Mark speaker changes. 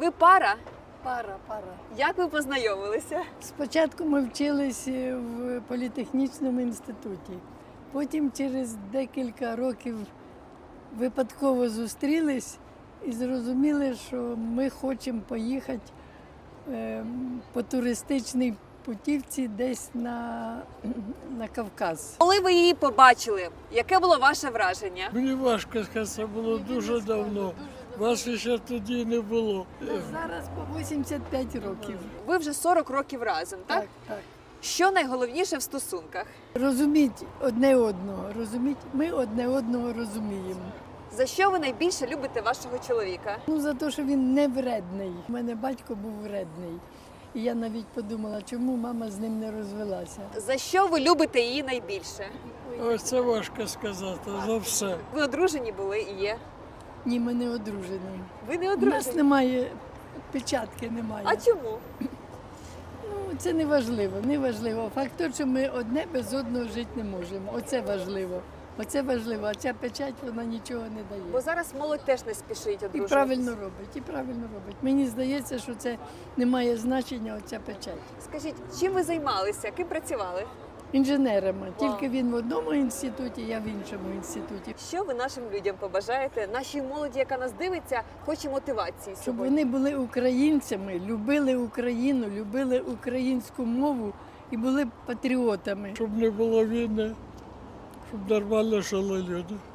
Speaker 1: Ви пара?
Speaker 2: Пара.
Speaker 1: Як ви познайомилися?
Speaker 2: Спочатку ми вчились в політехнічному інституті. Потім через декілька років випадково зустрілись і зрозуміли, що ми хочемо поїхати по туристичній путівці десь на Кавказ.
Speaker 1: Коли ви її побачили, яке було ваше враження?
Speaker 3: Мені важко сказати, це було дуже давно. Вас ще тоді не було.
Speaker 2: Зараз по 85 років.
Speaker 1: Ви вже 40 років разом, так?
Speaker 2: Так.
Speaker 1: Що найголовніше в стосунках?
Speaker 2: Розуміть одне одного, ми одне одного розуміємо.
Speaker 1: За що ви найбільше любите вашого чоловіка?
Speaker 2: За те, що він не вредний. У мене батько був вредний. І я навіть подумала, чому мама з ним не розвелася.
Speaker 1: За що ви любите її найбільше?
Speaker 3: Ось це важко сказати, за все.
Speaker 1: Ви одружені були і є.
Speaker 2: Ні, ми не одружені.
Speaker 1: Ви не
Speaker 2: У нас
Speaker 1: одружені.
Speaker 2: немає печатки, немає.
Speaker 1: А чому?
Speaker 2: Це не важливо. Факт той, що ми одне без одного жити не можемо. Оце важливо. А ця печать, вона нічого не
Speaker 1: Бо
Speaker 2: дає.
Speaker 1: зараз молодь теж не спішить
Speaker 2: І
Speaker 1: одружуватися.
Speaker 2: правильно робить. Мені здається, що це не має значення, оця печать.
Speaker 1: Скажіть, чим ви займалися? Ким працювали?
Speaker 2: Інженерами. Тільки він в одному інституті, я в іншому інституті.
Speaker 1: Що ви нашим людям побажаєте? Нашій молоді, яка нас дивиться, хоче мотивації
Speaker 2: Щоб
Speaker 1: сьогодні.
Speaker 2: вони були українцями, любили Україну, любили українську мову і були патріотами.
Speaker 3: Щоб не було війни, щоб нормально жили люди.